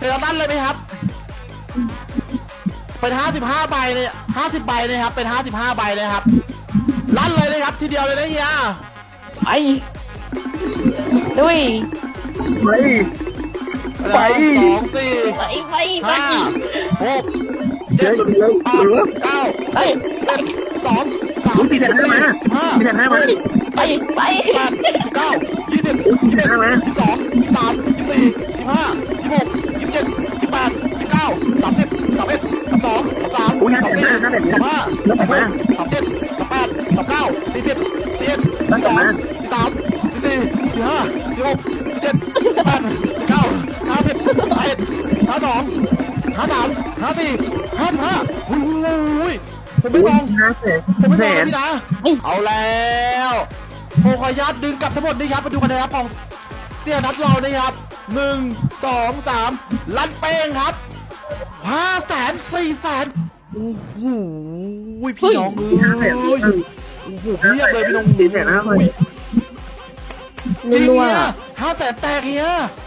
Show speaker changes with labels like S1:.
S1: เป็นลั่นเลยไหมครับเป็น55 ใบเลย50 ใบเลยครับเป็น55 ใบเลยครับลั่นเลยนะครับทีเดียวเลยนะเฮีย
S2: ไปด้วย
S3: ไป
S1: 2 4
S2: ไป
S1: 5 6
S3: เดี๋ยว
S1: 7
S3: เดี๋ยว
S1: 8 9
S2: ไป
S1: 10 2 3
S3: ตีแผ่นห้ามาตีแผ่นห้ามา
S2: ไป
S1: 8 9 20
S3: ตีแผ่นห้ามา
S1: 22 23 24 25 26 27 28 29 30 31 32 33
S3: อุ้ยห้าแผ่นห้าห้าแผ่นห้าแล้วแต่มา
S1: 37 38 39 40 41
S3: แล้วแต่มา
S1: 43 44 45 46 47 48 49 50 51 52 53 54 55อุ้ยผมไม่มอง
S3: ห้าแผ่น
S1: ผมไม่ม
S3: แผ่
S1: อง
S3: น
S1: พี่นะเอาแล้วผมขออนุญาตดึงกลับทั้งหมดนี่ครับมาดูคะแนนของเสี่ยนัดเรานะครับ1 2 3ลั่นเป้งครับ500,000 400,000โอ้โหพี่น้องเอ้
S3: ห้าแผ่น
S1: ยโอ้โหเพียบเลยพี่น้อง
S3: ตีแผ่นห้ามา
S1: จริง
S2: รัว
S1: เนี่ย500,000แตกเฮีย